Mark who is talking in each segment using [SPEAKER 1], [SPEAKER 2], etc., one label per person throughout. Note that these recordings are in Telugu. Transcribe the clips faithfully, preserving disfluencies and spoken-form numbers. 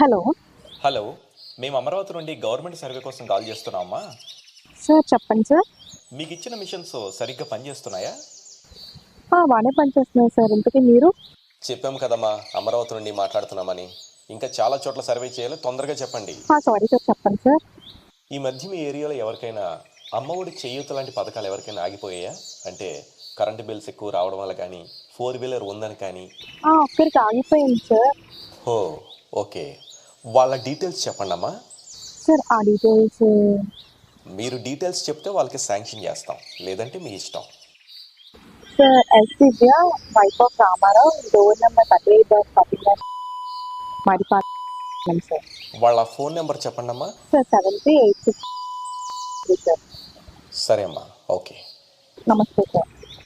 [SPEAKER 1] హలో
[SPEAKER 2] హలో మేము అమరావతి నుండి గవర్నమెంట్ సర్వే కోసం కాల్ చేస్తున్నామా.
[SPEAKER 1] సార్ చెప్పండి సార్.
[SPEAKER 2] మీకు ఇచ్చిన మిషన్స్ సరిగ్గా పనిచేస్తున్నాయా?
[SPEAKER 1] ఆ, బాగానే పనిచేస్తున్నాయి సార్. ఇంతకీ మీరు?
[SPEAKER 2] చెప్పాం కదమ్మా అమరావతి నుండి మాట్లాడుతున్నామని. ఇంకా చాలా చోట్ల సర్వే చేయాలి, తొందరగా చెప్పండి.
[SPEAKER 1] సారీ సార్, చెప్పండి సార్.
[SPEAKER 2] ఈ మధ్య మీ ఏరియాలో ఎవరికైనా అమ్మఒడి చేయూత లాంటి పథకాలు ఎవరికైనా ఆగిపోయాయా? అంటే కరెంటు బిల్స్ ఎక్కువ రావడం వల్ల కానీ, ఫోర్ వీలర్ ఉందని కానీ.
[SPEAKER 1] ఆ, ఒక్కరికి ఆగిపోయింది సార్.
[SPEAKER 2] ఓ ఓకే, వాళ్ళ డీటెయిల్స్ చెప్పండి అమ్మా.
[SPEAKER 1] సార్ ఆ డీటెయిల్స్
[SPEAKER 2] మీరు డీటెయిల్స్ చెప్తే వాళ్ళకి శాంక్షన్ చేస్తాం, లేదంటే మీ ఇష్టం.
[SPEAKER 1] Sir yes Divya, wife of Ramarao, door number thirty eight thirty nine Madipalem sir.
[SPEAKER 2] వాళ్ళ ఫోన్ నెంబర్ చెప్పండి అమ్మా.
[SPEAKER 1] Sir seven three eight six three sir.
[SPEAKER 2] సరే అమ్మా, ఓకే.
[SPEAKER 1] నమస్తే సార్.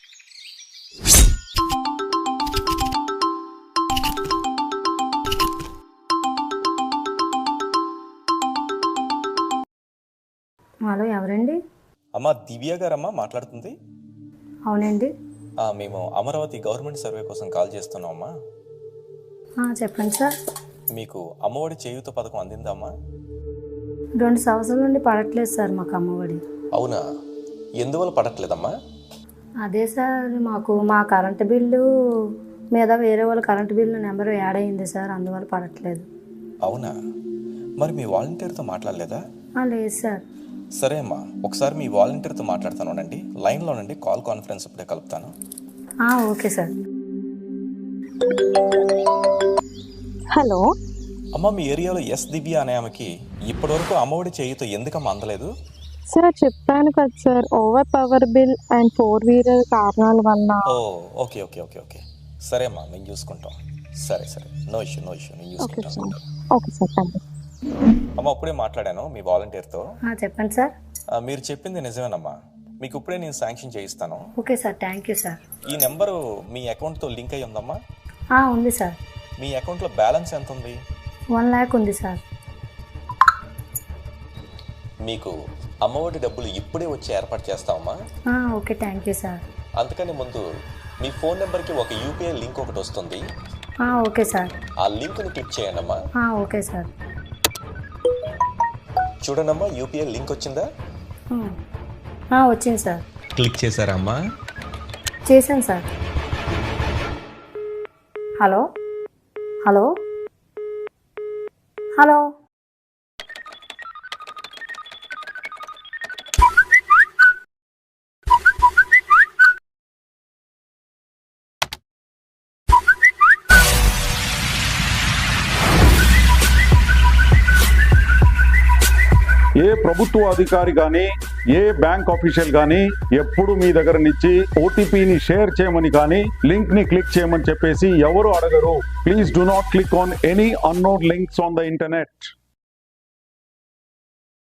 [SPEAKER 3] హలో, ఎవరండి?
[SPEAKER 2] అమ్మా దివ్య గారమ్మా మాట్లాడుతుంది.
[SPEAKER 3] అవునండి.
[SPEAKER 2] ఆ, మేము అమరావతి గవర్నమెంట్ సర్వే కోసం కాల్ చేస్తున్నామమ్మా.
[SPEAKER 3] ఆ, చెప్పండి సార్.
[SPEAKER 2] మీకు అమ్మఒడి చేయూత పథకం అందిందమ్మా?
[SPEAKER 3] రెండు సంవత్సరాల నుండి పడట్లేదు సార్ మాకు అమ్మఒడి.
[SPEAKER 2] అవునా, ఎందువల్ల పడట్లేదమ్మా?
[SPEAKER 3] అదే సార్, మాకు మా కరెంటు బిల్లు మీద వేరే వాళ్ళ కరెంటు బిల్లు నెంబర్ యాడ్ అయింది సార్, అందువల్ల పడట్లేదు.
[SPEAKER 2] అవునా, మరి మీ వాలంటీర్తో మాట్లాడలేదా?
[SPEAKER 3] ఆ, లేదు సార్.
[SPEAKER 2] సరే అమ్మా, ఒకసారి మీ వాలంటీర్తో మాట్లాడతానండి. లైన్లో నుండి కాల్ కాన్ఫరెన్స్ ఇప్పుడే కలుపుతాను.
[SPEAKER 3] ఆ, ఓకే సార్.
[SPEAKER 1] హలో
[SPEAKER 2] అమ్మ, మీ ఏరియాలో ఎస్ దివ్య అనే ఆమెకి ఇప్పటివరకు అమ్మఒడి చేయూత ఎందుకమ్మా అందలేదు?
[SPEAKER 1] సార్ చెప్పాను కదా sir, over power bill and four wheeler కారణాల వల్ల.
[SPEAKER 2] ఓ ఓకే ఓకే ఓకే ఓకే సరే అమ్మా, మేము చూసుకుంటాం. సరే సరే, నో ఇష్యూ నో ఇష్యూ నేను
[SPEAKER 1] ఓకే
[SPEAKER 2] చూసుకుంటాను.
[SPEAKER 1] Sir. Okay sir, thank you.
[SPEAKER 2] అమ్మ, ఇప్పుడే మాట్లాడాను మీ వాలంటీర్తో.
[SPEAKER 3] ఆ, చెప్పండి సార్.
[SPEAKER 2] ఆ, మీరు చెప్పింది నిజమేనమ్మా. మీకు ఇప్పుడే నేను శాంక్షన్ చేయిస్తాను.
[SPEAKER 3] Okay sir, thank you sir.
[SPEAKER 2] ఈ నెంబరు మీ అకౌంట్తో లింక్ అయ్యి ఉందమ్మా?
[SPEAKER 3] ఆ, ఉంది సార్.
[SPEAKER 2] మీ అకౌంట్లో బ్యాలెన్స్ ఎంత ఉంది?
[SPEAKER 3] వన్ ల్యాక్ ఉంది సార్.
[SPEAKER 2] మీకు అమ్మఒడి డబ్బులు ఇప్పుడే వచ్చి ఏర్పాటు చేస్తామమ్మా.
[SPEAKER 3] ఆ, ఓకే, థ్యాంక్ యూ సార్.
[SPEAKER 2] అందుకని ముందు మీ ఫోన్ నెంబర్కి ఒక యూపీఐ లింక్ ఒకటి వస్తుంది.
[SPEAKER 3] ఆ, ఓకే సార్.
[SPEAKER 2] ఆ లింక్ని క్లిక్ చేయండి అమ్మా.
[SPEAKER 3] ఆ, ఓకే సార్.
[SPEAKER 2] చూడండమ్మా, యూపీఐ లింక్ వచ్చిందా?
[SPEAKER 3] ఆ, వచ్చింది సార్.
[SPEAKER 2] క్లిక్ చేశారా అమ్మా?
[SPEAKER 3] చేశాను సార్. హలో హలో హలో
[SPEAKER 4] ఏ ప్రభుత్వ అధికారి కానీ ఏ బ్యాంక్ ఆఫీషియల్ కానీ ఎప్పుడు మీ దగ్గర నుంచి ఓటీపీని షేర్ చేయమని కానీ లింక్ ని క్లిక్ చేయమని చెప్పేసి ఎవరు అడగరు. Please do not click on any unknown links on the internet.